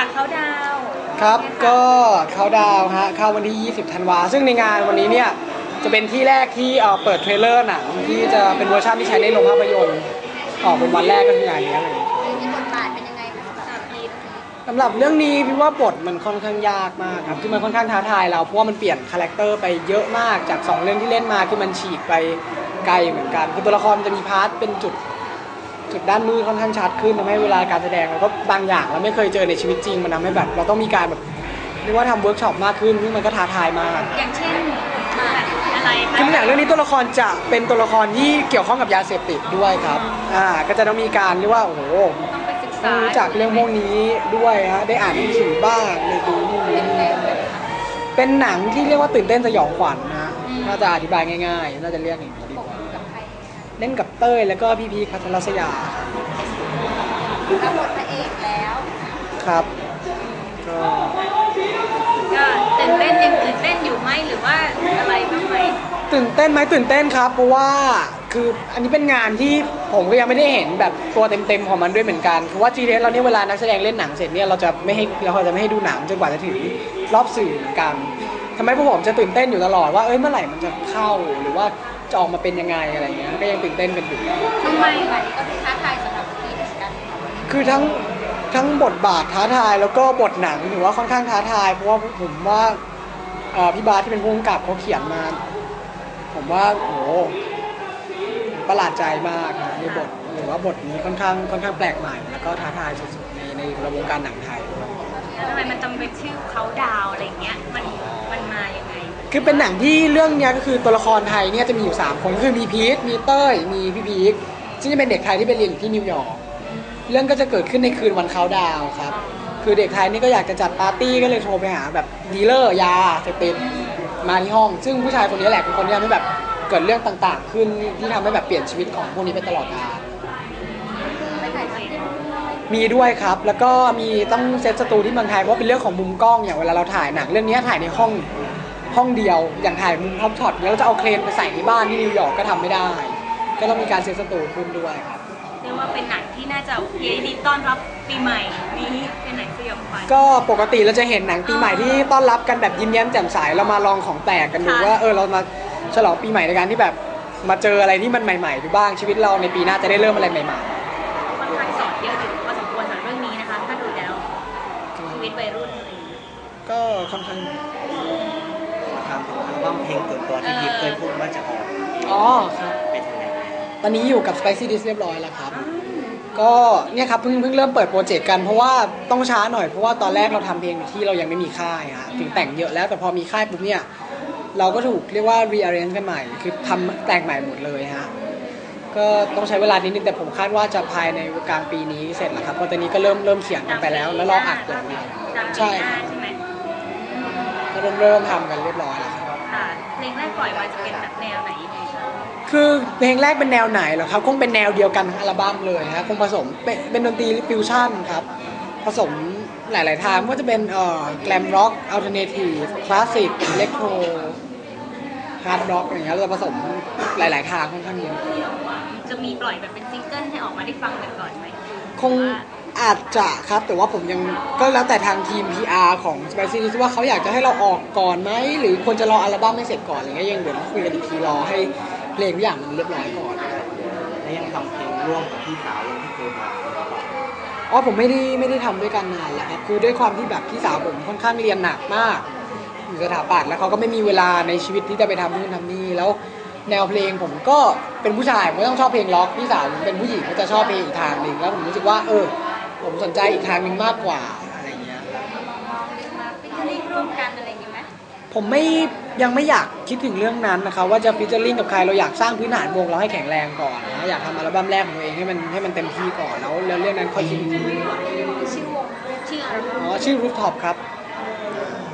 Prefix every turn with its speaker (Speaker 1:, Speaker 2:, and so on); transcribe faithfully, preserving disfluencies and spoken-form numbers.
Speaker 1: เขาดาว
Speaker 2: ครับก็เขาดาวฮะเข้าวันที่ยี่สิบธันวาซึ่งในงานวันนี้เนี่ยจะเป็นที่แรกที่เอ่อเปิดเทรลเลอร์หนังที่จะเป็นเวอร์ชันที่ใช้ในโรงภาพยนตร์ออกเป็นวันแรกก็คืองานนี้เลย
Speaker 1: มีบทบาทเป็นยังไงคะสำหรับพีท
Speaker 2: สำหรับเรื่องนี้พี่ว่าบทมันค่อนข้างยากมากครับคือมันค่อนข้างท้าทายเราเพราะว่ามันเปลี่ยนคาแรคเตอร์ไปเยอะมากจากสองเรื่องที่เล่นมาคือมันฉีกไปไกลเหมือนกันคือตัวละครมันจะมีพาร์ทเป็นจุดจุดด้านมืดค่อนข้างชัดขึ้นทำให้เวลาการแสดงเราก็บางอย่างเราไม่เคยเจอในชีวิตจริงมันทำให้แบบเราต้องมีการแบบเรียกว่าทำเวิร์กช็อปมากขึ้นซึ่งมันก็ท้าทายมาก
Speaker 1: อย่างเช่นอะไรคะ
Speaker 2: คืออย่างเรื่องนี้ตัวละครจะเป็นตัวละครที่เกี่ยวข้องกับยาเสพติดด้วยครับอ่าก็จะต้องมีการเรียกว่าโอ้โห
Speaker 1: ต้องไปศึกษา
Speaker 2: รู้จักเรื่องพวกนี้ด้วยฮะได้อ่านหนังสือบ้างได้ดูนู่นนี่เป็นหนังที่เรียกว่าตื่นเต้นสยองขวัญนะน่าจะอธิบายง่ายๆน่าจะเรียกอย่างนี้ดีกว่าเล่นกับเต้ยแล้วก็พี่พีคพัทรศยา
Speaker 1: รับบทพระเอกแล้ว
Speaker 2: ครับก็
Speaker 1: ก็ตื่นเต้นยังตื่นเต้นอยู่ไหมหรือว่าอะไรบ้างไหม
Speaker 2: ตื่นเต้นไหมตื่นเต้นครับเพราะว่าคืออันนี้เป็นงานที่ผมก็ยังไม่ได้เห็นแบบตัวเต็มๆของมันด้วยเหมือนกันเพราะว่า จี ที เอส เราเนี่ยเวลานักแสดงเล่นหนังเสร็จเนี่ยเราจะไม่ให้เราจะไม่ให้ดูหนังจนกว่าจะถึงรอบสื่อเหมือนกันทำให้พวกผมจะตื่นเต้นอยู่ตลอดว่าเอ้ยเมื่อไหร่มันจะเข้าหรือว่าจะออกมาเป็นยังไงอะไรเงี้ยก็ยังตื่นเต้นกันอยู่
Speaker 1: ทำไมแบบนี้ก็ท้าทายสำหรับพี่เหมือนกัน
Speaker 2: คือทั้งทั้งบทบาทท้าทายแล้วก็บทหนังถือว่าค่อนข้างท้าทายเพราะว่าผมว่าพี่บาสที่เป็นผู้กำกับเขาเขียนมาผมว่าโอ้ประหลาดใจมากนะในบทหรือว่าบทนี้ค่อนข้างค่อนข้างแปลกใหม่แล้วก็ท้าทายสุดๆในในระบบการหนังไทย
Speaker 1: ทำไมมันจำเป็นชื่อเขาดาวอะไรเงี้ยมันมันมาอย่างไง
Speaker 2: คือเป็นหนังที่เรื่องนี้ก็คือตัวละครไทยเนี่ยจะมีอยู่สามคนคือมีพีทมีเต้ยมีพี่พีคซึ่งจะเป็นเด็กไทยที่ไปเรียนอยู่ที่นิวยอร์กเรื่องก็จะเกิดขึ้นในคืนวันเขาดาวครับคือเด็กไทยนี่ก็อยากจะจัดปาร์ตี้ก็เลยโทรไปหาแบบดีลเลอร์ยาเสพติดมาที่ห้องซึ่งผู้ชายคนนี้แหละเป็นคนที่ทำให้แบบเกิดเรื่องต่างๆขึ้นที่ทำให้แบบเปลี่ยนชีวิตของพวกนี้ไปตลอดกาลมีด้วยครับแล้วก็มีต้องเซตสตูที่เมืองไทยเพราะเป็นเรื่องของมุมกล้องอย่างเวลาเราถ่ายหนังเรื่องนี้ถ่ายในห้องห้องเดียวอย่างถ่ายมุมท็อปช็อตแล้วเราจะเอาเครนไปใส่ในบ้านที่นิวยอร์กก็ทำไม่ได้ก็ต้องมีการเซตสตูขึ้นด้วยครับ
Speaker 1: เรียกว่าเป็นหนังที่น่าจะโอเคดีต้อนรับปีใหม่นี้เป็นหนังสยองขวัญ
Speaker 2: ก็ปกติเราจะเห็นหนังปีใหม่ที่ต้อนรับกันแบบยิ้มแย้มแจ่มใสเรามาลองของแปลกกันดูว่าเออเรามาฉลองปีใหม่ในการที่แบบมาเจออะไรที่มันใหม่ๆดูบ้างชีวิตเราในปีหน้าจะได้เริ่มอะไรใหม่
Speaker 1: ๆค่อนข้างสอนเยอะอยู่พอสมควรสำหรับเรื่องนี้นะคะถ้าดูแล้วชีวิตวัยรุ่นอะไรอย่างนี้
Speaker 2: ก็ค่อนข้าง
Speaker 3: ทำอัลบั้มเพลงตัวตัวที่พีคเคยพูดว่าจะออก
Speaker 2: อ๋อครับ
Speaker 3: เป็นยังไง
Speaker 2: ตอนนี้อยู่กับ Spicy Dish เรียบร้อยแล้วครับก็เนี่ยครับเพิ่งเพิ่งเริ่มเปิดโปรเจกต์กันเพราะว่าต้องช้าหน่อยเพราะว่าตอนแรกเราทำเพลงที่เรายังไม่มีค่ายฮะถึงแต่งเยอะแล้วแต่พอมีค่ายปุ๊บเนี่ยเราก็ถูกเรียกว่า rearrange กันใหม่คือทำแต่งใหม่หมดเลยฮะก็ต้องใช้เวลานิดนึงแต่ผมคาดว่าจะภายในกลางปีนี้เสร็จแล้วครับเพราะตอนนี้ก็เริ่มเริ่มเขียนกันไปแล้วแล้วรออัดอย่างเดียว
Speaker 1: ใช่ใช่ไหม
Speaker 2: ก็เริ่มเริ่มทำกันเรียบร้อยแล้วครับ
Speaker 1: ค่ะเพลงแรกปล่อยมาจะเป็นแบบแนวไหนยังไงคะ
Speaker 2: คือเพลงแรกเป็นแนวไหนเหรอครับคงเป็นแนวเดียวกันทั้งอัลบั้มเลยฮะคงผสมเป็นเป็นดนตรีฟิวชั่นครับผสมหลายๆทางว่าจะเป็นเอ่อแกลมร็อกอัลเทอร์เนทีฟคลาสสิกอิเล็กโทรฮาร์ดร็อกอย่างเงี้ยเราจะผสมหลายๆทางค่อนข้างเยอะ
Speaker 1: จะมีปล่อยแบบเป็นซิงเกิลให้ออกมาได้ฟังกันก่อนไหม
Speaker 2: คงอาจจะครับแต่ว่าผมยังก็แล้วแต่ทางทีม พี อาร์ ของ Spicy Dish ว่าเขาอยากจะให้เราออกก่อนไหมหรือควรจะรออัลบั้มให้เสร็จก่อนอะไรเงี้ยยังเดี๋ยวต้องคุยกันอีกทีรอให้เพลงทุกอย่างมันเรียบร้อยก่อน
Speaker 3: แล้วยังทำเพลงร่วมกับพี่สาวยังที่เคยมา
Speaker 2: อ๋อผมไม่ได้ไม่ได้ทำด้วยกันนานแล้วครับคือด้วยความที่แบบพี่สาวผมค่อนข้างเรียนหนักมากอยู่สถาปัตย์แล้วเขาก็ไม่มีเวลาในชีวิตที่จะไปทำนู่นทำนี่แล้วแนวเพลงผมก็เป็นผู้ชายผมก็ต้องชอบเพลงล็อกพี่สาวผมเป็นผู้หญิงก็จะชอบเพลงอีกทางหนึ่งแล้วผมรู้สึกว่าเออผมสนใจอีกทางหนึ่งมากกว่าอะไรเงี้ย
Speaker 1: มาฟิชเชอร์ลิงร่วมกันอะไรอย่างงี้ไหม
Speaker 2: ผมไม่ยังไม่อยากคิดถึงเรื่องนั้นนะคะว่าจะฟิชเชอร์ลิงกับใครเราอยากสร้างพื้นฐานวงเราให้แข็งแรงก่อนนะอยากทำอัลบั้มแรกของตัวเองให้มันให้มันเต็มที่ก่อนแล้วแล้วเรื่องนั้นค่อยคิด
Speaker 1: ชื่อวงชื่ออะไร
Speaker 2: อ๋อชื่อ Rooftop ครับ